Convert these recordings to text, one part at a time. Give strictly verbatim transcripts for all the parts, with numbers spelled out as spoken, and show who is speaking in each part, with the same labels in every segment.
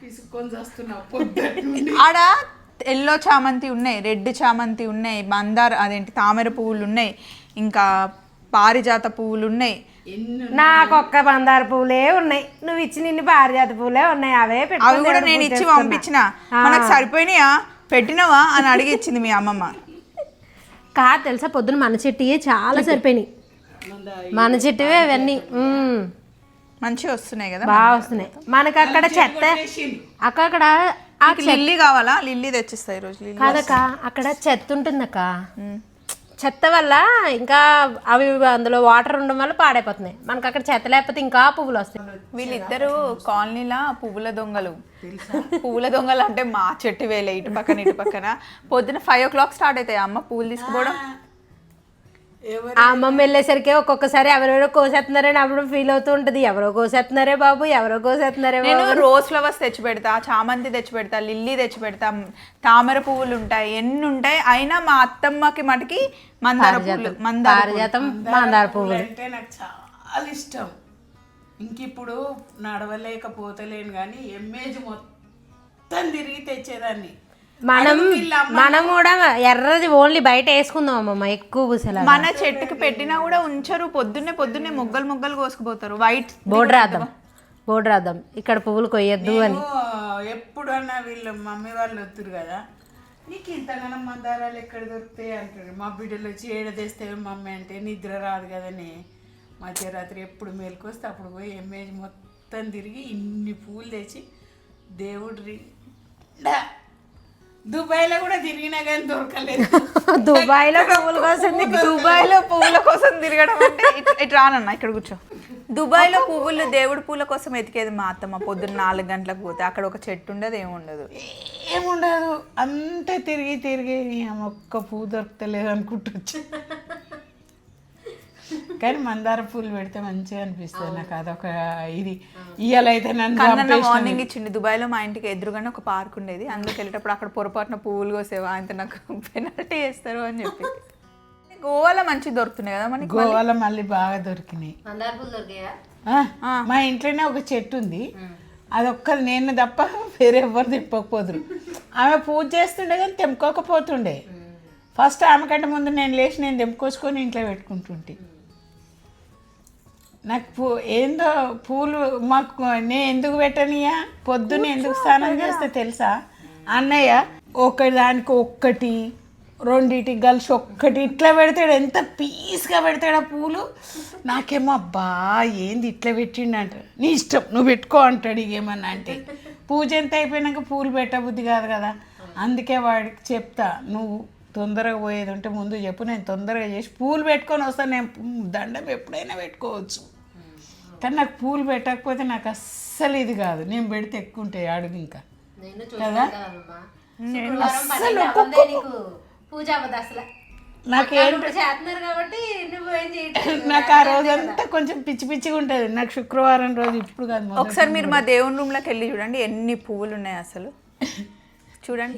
Speaker 1: ఆడ ఎల్లో చామంతి ఉన్నాయి, రెడ్ చామంతి ఉన్నాయి, మందార అదేంటి తామర పువ్వులు ఉన్నాయి, ఇంకా పారిజాత పువ్వులు ఉన్నాయి.
Speaker 2: నాకు ఒక్క మందార పువ్వులే ఉన్నాయి, నువ్వు ఇచ్చిన ఇన్ని పారిజాత పువ్వులే ఉన్నాయి. అవే
Speaker 1: అవి కూడా నేను ఇచ్చి పంపించిన, మనకు సరిపోయినాయా పెట్టినవా అని అడిగి ఇచ్చింది మీ అమ్మమ్మ.
Speaker 2: కాదు తెలుసా, పొద్దున మన చెట్టుయే చాలా సరిపోయినాయి, మన చెట్టువే అవన్నీ
Speaker 1: మంచిగా వస్తున్నాయి కదా,
Speaker 2: బాగా వస్తున్నాయి. మనకు అక్కడ చెత్త అక్కడ
Speaker 1: లిల్లీ కావాలా, లిల్లీ తెచ్చిస్తాయి రోజు.
Speaker 2: కాదక్క అక్కడ చెత్త ఉంటుందక్క, చెత్త వల్ల ఇంకా అవి అందులో వాటర్ ఉండడం వల్ల పాడైపోతున్నాయి. మనకు అక్కడ చెత్త లేకపోతే ఇంకా పువ్వులు వస్తాయి.
Speaker 1: వీళ్ళిద్దరు కాలనీలా పువ్వుల దొంగలు. పువ్వుల దొంగలు అంటే మా చెట్టు వేలే, ఇటు పక్కన ఇటు పక్కన. పొద్దున ఫైవ్ ఓ క్లాక్ స్టార్ట్ అవుతాయి అమ్మ పువ్వులు తీసుకుపోవడం.
Speaker 2: ఆ అమ్మమ్మ వెళ్ళేసరికి ఒక్కొక్కసారి ఎవరెవరో కోసేస్తున్నారని అప్పుడు ఫీల్ అవుతూ ఉంటుంది. ఎవరో కోసేస్తున్నారే బాబు, ఎవరో కోసేస్తున్నారే.
Speaker 1: నేను రోజ్ ఫ్లవర్స్ తెచ్చి పెడతా, చామంతి తెచ్చి పెడతా, లిల్లీ తెచ్చి పెడతా, తామర పువ్వులు ఉంటాయి, ఎన్ని ఉంటాయి. అయినా మా అత్తమ్మకి మటుకి మందార పువ్వులు,
Speaker 2: పారిజాతం, మందార పువ్వులు
Speaker 3: అంటే నాకు చాలా ఇష్టం. ఇంక ఇప్పుడు నడవలేకపోతలేను కానీ ఎమ్మేజ్ మొత్తం తిరిగి తెచ్చేదాన్ని.
Speaker 2: మనం మనం కూడా ఎర్రది ఓన్లీ బయట వేసుకుందాం అమ్మమ్మ, ఎక్కువ పూసల
Speaker 1: మన చెట్టుకి పెట్టినా కూడా ఉంచరు. పొద్దున్నే పొద్దున్నే మొగ్గలు మొగ్గలు కోసుకుపోతారు. వైట్
Speaker 2: బోర్డు రాద్దాం, బోర్డు రాద్దాం ఇక్కడ పువ్వులు కొయ్యొద్దు అని.
Speaker 3: ఎప్పుడన్నా వీళ్ళు మమ్మీ వాళ్ళు వస్తారు కదా, నీకు ఇంతగానో మందారాలు ఎక్కడ దొరుకుతాయి అంటారు. మా బిడ్డలు వచ్చి ఏడ తెస్తే మమ్మీ అంటే నిద్ర రాదు కదని మధ్యరాత్రి ఎప్పుడు మేలుకొస్తే అప్పుడు పోయి ఎమ్మేజ్ మొత్తం తిరిగి ఇన్ని పూలు తెచ్చి దేవుడి దుబాయ్లో కూడా తిరిగినా కానీ దొరకలేదు.
Speaker 2: దుబాయ్లో పువ్వుల కోసం,
Speaker 1: దుబాయ్లో పువ్వుల కోసం తిరగడం అంటే ఇటు రానన్నా ఇక్కడ కూర్చో. దుబాయ్లో పువ్వులు దేవుడి పూల కోసం ఎతికేది మా అత్తమ్మ. పొద్దున్న నాలుగు గంటలకు పోతే అక్కడ ఒక చెట్టు ఉండదు, ఏముండదు
Speaker 3: ఏముండదు అంతా తిరిగి తిరిగి ఒక్క పువ్వు దొరకలేదు అనుకుంటొచ్చు. కానీ మందార పూలు పెడితే మంచిగా అనిపిస్తుంది నాకు. అదొక ఇది ఇయ్యాలైతే నన్ను
Speaker 1: మార్నింగ్ ఇచ్చింది. దుబాయ్లో మా ఇంటికి ఎదురుగానే ఒక పార్క్ ఉండేది, అందులోకి వెళ్ళేటప్పుడు అక్కడ పొరపాటున పువ్వులు కోసేవా అంత నాకు పెనాల్టీ వేస్తారు అని చెప్పి. గోవాలో మంచిగా దొరుకుతున్నాయి కదా మనకి.
Speaker 3: గోవాలో మళ్ళీ బాగా దొరికినాయి. మా ఇంట్లోనే ఒక చెట్టు ఉంది, అది ఒక్కరు నేను తప్ప వేరే ఎవరు తెంపకపోదురు. ఆమె పూజ చేస్తుండే కానీ తెంపుకోకపోతుండే. ఫస్ట్ ఆమె కంటే ముందు నేను లేచి నేను తెంపుకొచ్చుకొని ఇంట్లో పెట్టుకుంటుంటే. నాకు పూ ఏందో పూలు మాకు నేను ఎందుకు పెట్టనియా, పొద్దున్న ఎందుకు స్నానం చేస్తే తెలుసా అన్నయ్య, ఒకదానికి ఒక్కటి రెండింటికి కలిసి ఒక్కటి ఇట్లా పెడతాడు. ఎంత పీస్గా పెడతాడు ఆ పూలు. నాకేమో అబ్బా ఏంది ఇట్లా పెట్టిండు అంటాడు. నీ ఇష్టం నువ్వు పెట్టుకో అంటాడు. ఇకేమన్నా అంటే పూజ ఎంత అయిపోయినాక పూలు పెట్టబుద్ధి కాదు కదా. అందుకే వాడికి చెప్తా, నువ్వు తొందరగా పోయేది ఉంటే ముందు చెప్పు, నేను తొందరగా చేసి పూలు పెట్టుకొని వస్తాను. నేను దండం ఎప్పుడైనా పెట్టుకోవచ్చు, కానీ నాకు పూలు పెట్టకపోతే నాకు అస్సలు ఇది కాదు. నేను పెడితే ఎక్కువ ఉంటాయి అడుగు ఇంకా కదా. అస్సలు నాకేంటి నాకు ఆ రోజంతా కొంచెం పిచ్చి పిచ్చిగా ఉంటుంది. నాకు శుక్రవారం రోజు ఇప్పుడు కాదు.
Speaker 1: ఒకసారి మీరు మా దేవుని రూమ్లోకి వెళ్ళి చూడండి ఎన్ని పువ్వులు ఉన్నాయి అసలు. చూడండి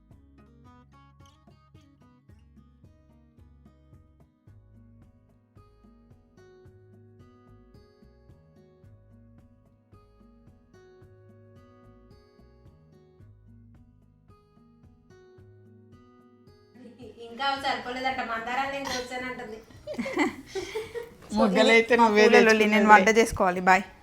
Speaker 2: ఇంకా సరిపోలేదంట, మందారాలు నేను వచ్చానంటుంది.
Speaker 3: మొగ్గలైతే
Speaker 1: నేను వంట చేసుకోవాలి. బాయ్.